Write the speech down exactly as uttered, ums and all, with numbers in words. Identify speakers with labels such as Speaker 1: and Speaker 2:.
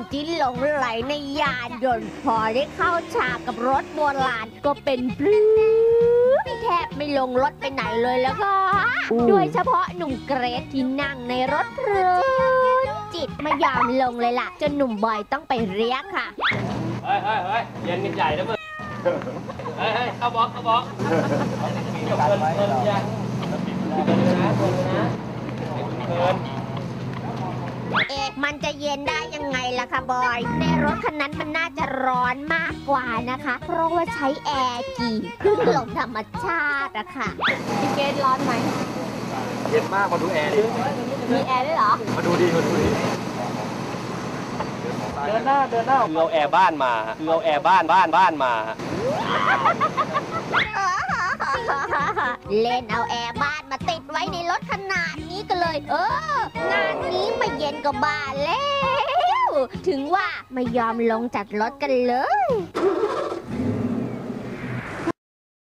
Speaker 1: ที่หลงไหลในยานยนต์พอได้เข้าฉากกับรถโบราณก็เป็นปลื้มแทบไม่ลงรถไปไหนเลยแล้วก็โดยเฉพาะหนุ่มเกรซที่นั่งในรถเพลินจิตไม่ยอมลงเลยล่ะจนหนุ่มบอยต้องไปเรียกค่ะ
Speaker 2: เฮ้ยเฮ้ยเฮ้ยเย็นกันใหญ่นะมึงเฮ้ยเฮ้ยเข้าบล็อกเข้าบล็อกเกินเกินยังเกินนะเกินนะเกิน
Speaker 1: เอ๊ะมันจะเย็นได้ยังไงล่ะคะบอยในรถคันนั้นมันน่าจะร้อนมากกว่านะคะเพราะว่าใช้แอร์กี่ขึ้นลมธรรมชาติอะค่ะพี่เกดร้อนไหม
Speaker 2: เย็นมากมาดูแอร์ดิ
Speaker 1: มีแอร์ด้วยเหรอ
Speaker 2: มาดูดิมาดูดิเดินหน้าเดินหน้าคือเอาแอร์บ้านมาคือเอาแอร์บ้านบ้านบ้านมา
Speaker 1: เล่นเอาแอร์บ้านมาติดไว้ในรถขนาดนี้ก็เลยเอองานนี้ไม่เย็นก็บ้าแล้วถึงว่าไม่ยอมลงจากรถกันเลย